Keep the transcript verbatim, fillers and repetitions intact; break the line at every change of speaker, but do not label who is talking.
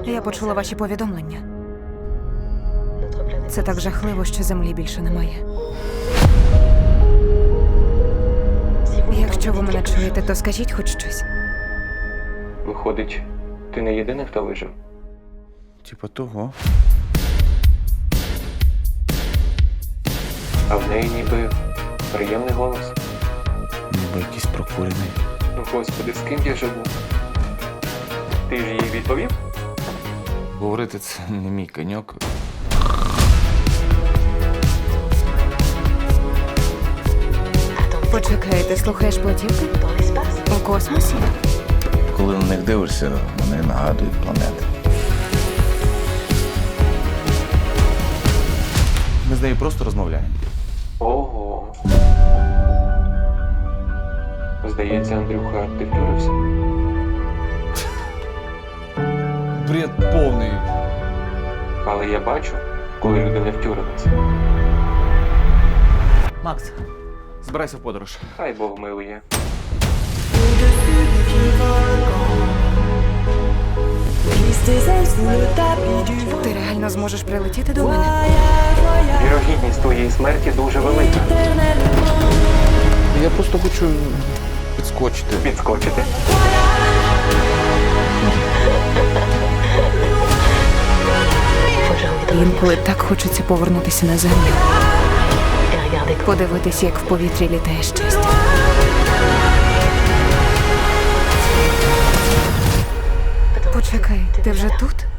Я почула ваші повідомлення. Це так жахливо, що землі більше немає. Якщо ви мене чуєте, то скажіть хоч щось.
Виходить, ти не єдиний, хто вижив?
Типа того.
А в неї ніби приємний голос.
Ніби якийсь прокурений.
Ну, господи, з ким я живу? Ти ж їй відповів?
Говорити це не мій коньок.
Почекай, ти слухаєш платівки? У космосі?
Коли на них дивишся, вони нагадують планети.
Ми з нею просто розмовляємо.
Ого. Здається, Андрюха, ти втюрився.
Бред повний.
Але я бачу, коли люди не втюрилися.
Макс, збирайся в подорож.
Хай Бог милує.
Ти реально зможеш прилетіти до мене?
Вірогідність твоєї смерті дуже велика.
Я просто хочу підскочити.
Підскочити?
Інколи так хочеться повернутися на землю. Подивитися, як в повітрі літає щастя. Почекай, ти вже тут?